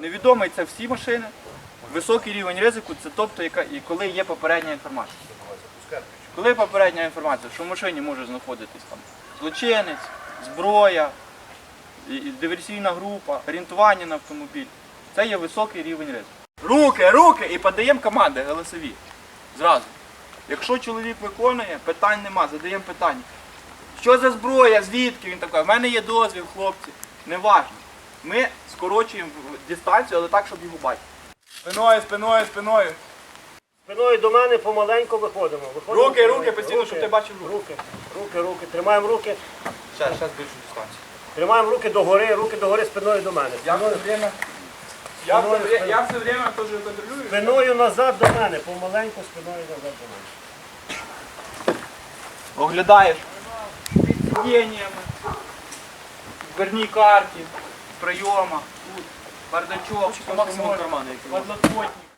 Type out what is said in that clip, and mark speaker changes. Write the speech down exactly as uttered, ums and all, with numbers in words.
Speaker 1: невідомий це всі машини. Високий рівень ризику це тобто, яка, і коли є попередня інформація. Коли попередня інформація, що в машині може знаходитись там злочинець, зброя, і- і диверсійна група, орієнтування на автомобіль, це є високий рівень ризику. Руки, руки! І подаємо команди голосові. Зразу. Якщо чоловік виконує, питань нема, задаємо питання. Що за зброя, звідки? Він такий, в мене є дозвіл, хлопці. Неважно. Ми скорочуємо дистанцію, але так, щоб його бачити. Спиною, спиною, спиною.
Speaker 2: Спиною до мене помаленьку виходимо. Виходимо
Speaker 1: Руки, руки,
Speaker 2: помаленьку.
Speaker 1: постійно, щоб ти бачив руки.
Speaker 2: Руки, руки, руки. Тримаємо руки.
Speaker 1: Зараз, зараз більшу дистанцію.
Speaker 2: Тримаємо руки догори, руки догори спиною до мене.
Speaker 1: Я все
Speaker 2: Спиною,
Speaker 1: время, я все,
Speaker 2: Спиною,
Speaker 1: вре- я все время теж контролюю.
Speaker 2: спиною назад до мене. Помаленьку спиною назад до мене.
Speaker 1: Оглядаєш під сидіннями, в дверній карті, в прийомах, тут, бардачок,
Speaker 3: Максимум кармани, який
Speaker 1: подлокотник.